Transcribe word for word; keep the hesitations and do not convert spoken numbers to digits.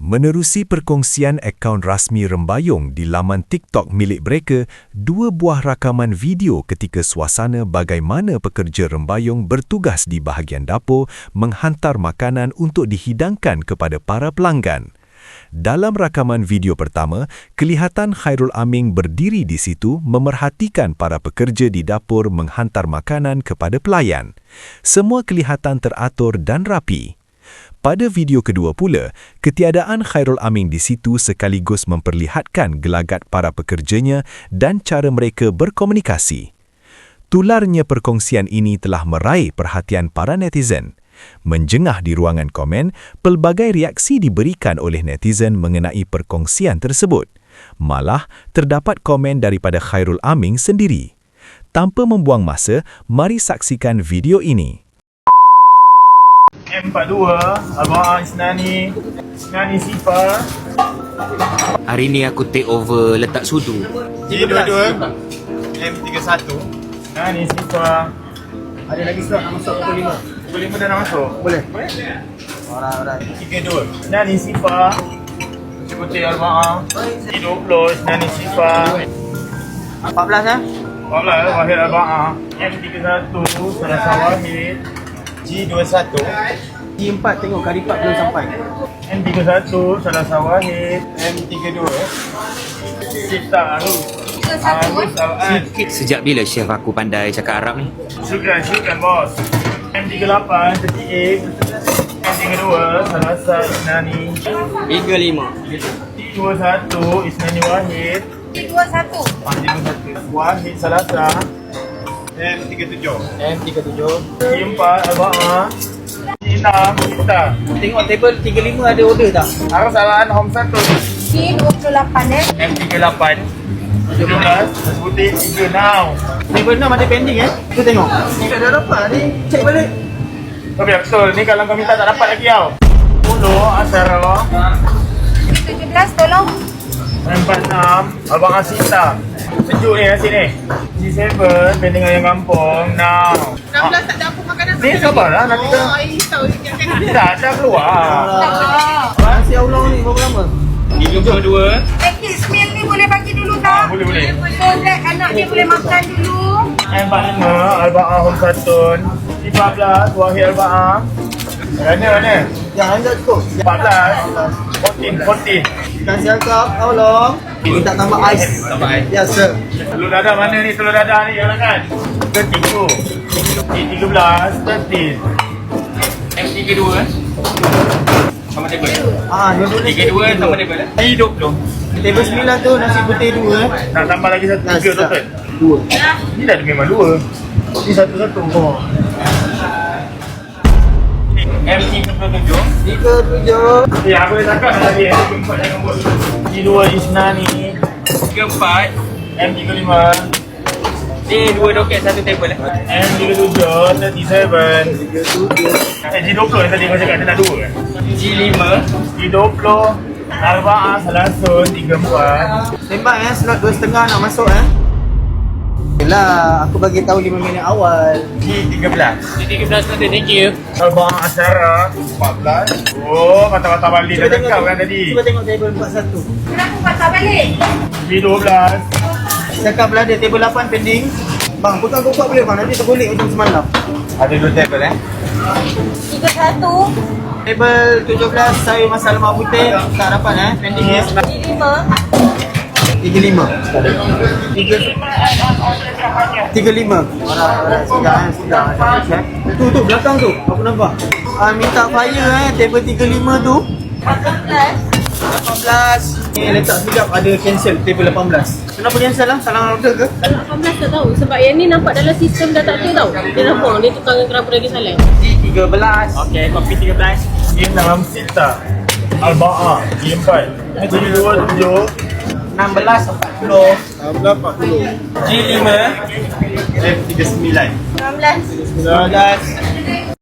Menerusi perkongsian akaun rasmi Rembayung di laman TikTok milik mereka, dua buah rakaman video ketika suasana bagaimana pekerja Rembayung bertugas di bahagian dapur menghantar makanan untuk dihidangkan kepada para pelanggan. Dalam rakaman video pertama, kelihatan Khairul Aming berdiri di situ memerhatikan para pekerja di dapur menghantar makanan kepada pelayan. Semua kelihatan teratur dan rapi. Pada video kedua pula, ketiadaan Khairul Aming di situ sekaligus memperlihatkan gelagat para pekerjanya dan cara mereka berkomunikasi. Tularnya perkongsian ini telah meraih perhatian para netizen. Menjengah di ruangan komen, pelbagai reaksi diberikan oleh netizen mengenai perkongsian tersebut. Malah, terdapat komen daripada Khairul Aming sendiri. Tanpa membuang masa, mari saksikan video ini. M empat dua, Abang Isnani, Isnani Sifa. Hari ni aku take over letak sudu. G dua dua, M tiga satu, Isnani Sifa. Ada lagi slot nak masuk pukul lima. Pukul lima dah nak masuk? Boleh. Boleh? Alright, alright. tiga dua, Isnani Sifa. Seperti Arba'ah. G dua puluh, Isnani Sifa. empat belas eh? empat belas, Wahid Arba'ah. M tiga satu, Salasa Wahid. G dua satu, G empat tengok Karipat belum sampai. M tiga satu, Salasa Wahid. M tiga dua, Sita Arus. Arus Al-An. Sejak bila chef aku pandai cakap Arab ni? Syukran, syukran bos. M tiga lapan, Setiik. M tiga dua, Salasa Isnani. tiga lima. T dua satu, Isnani Wahid. T dua satu. M tiga satu, Wahid Salasa. M tiga tujuh, M tiga tujuh. T empat, Arba'ah. T enam, Sita. Tengok table tiga lima ada order tak? Arus Al-An, Home satu. T dua puluh lapan eh. M tiga lapan, tujuh belas, Putih tiga now. Table enam ada pending eh? Tu tengok. Ni tak ada dapat ni. Cek balik. Oh biar betul, ni kalau kau minta tak dapat lagi tau. sepuluh, Asara. tujuh belas tolong. M empat enam, Abang Asita. Sejuk ni nasi ni. G tujuh, pending ayam kampung. Now. enam belas tak ada apa makanan. Ni sabarlah, nanti kita... Oh, risau sikit kan. Tak, dah keluar. Nasi ulang ni berapa lama? tiga puluh dua. Package meal ni boleh bagi dulu Ah, tak? boleh, boleh. So that anak dia boleh makan dulu. M empat lima, Arba'ah Home Satun. empat belas, Wahid Arba'ah. Mana, mana? Yang anda cukup. empat belas. empat belas, empat belas. Nasi akap, tolong. Minta tambah ais. Tambah ais. Ya, sir. Telur dadah mana ni? Telur dadah ni, jangan kan? Ketiga. G tiga belas, thirteen. M tiga dua. Sama table. Ah, dua-dua ni. tiga dua sama table. G dua puluh. Table sembilan tu nasi putih dua eh. Nak tambah lagi satu, Nasi tiga total. Dua. Ni dah memang dua. Ni satu-satu. Oh. M tiga puluh tujuh. Tiga tujuh. Ya, aku dah cakap tadi M tiga empat jangan buat. G dua Isnani. tiga empat. M tiga lima. Ni dua doket satu table eh. M tiga tujuh, tiga tujuh. Tiga tujuh. Eh, G dua puluh yang tadi kau cakap dia nak dua kan? G lima. G dua puluh. Arba'ah Salasun tiga empat. Tembak eh, slot dua setengah nak masuk eh. Yelah, aku bagi tahu lima minit awal. G tiga belas. G tiga belas nanti, thank you. Arba'ah Asyara empat belas. Oh, kata-kata balik dah cakap kan tadi. Cuba tengok table empat satu. Kenapa patah balik? G dua belas. Cakap belah dia table lapan pending. Bang, bukan kau buat boleh bang, nanti tergulik macam semalam. Ada dua table eh. Tiga satu. Table tujuh belas sayur masak lemak putih. Tak dapat eh, pending eh. T lima. Tiga lima. Tiga Tiga lima. Alright, sudah eh, sudah. Okay. Tu tu belakang tu, aku nampak. Ah, minta fire eh, table tiga lima tu. lapan belas. lapan belas. Ni letak sekejap ada cancel table lapan belas. Kenapa cancel lah? Salah order ke? lapan belas tak tahu sebab yang ni nampak dalam sistem dah tak ada tau. Dia nampak dia tukar dengan kenapa lagi salah. tiga belas. Okey, kopi tiga belas. G enam Sita. Arba'ah G empat. G dua tujuh. enam belas empat puluh. enam belas empat puluh. G lima. M tiga sembilan. enam belas. sembilan belas.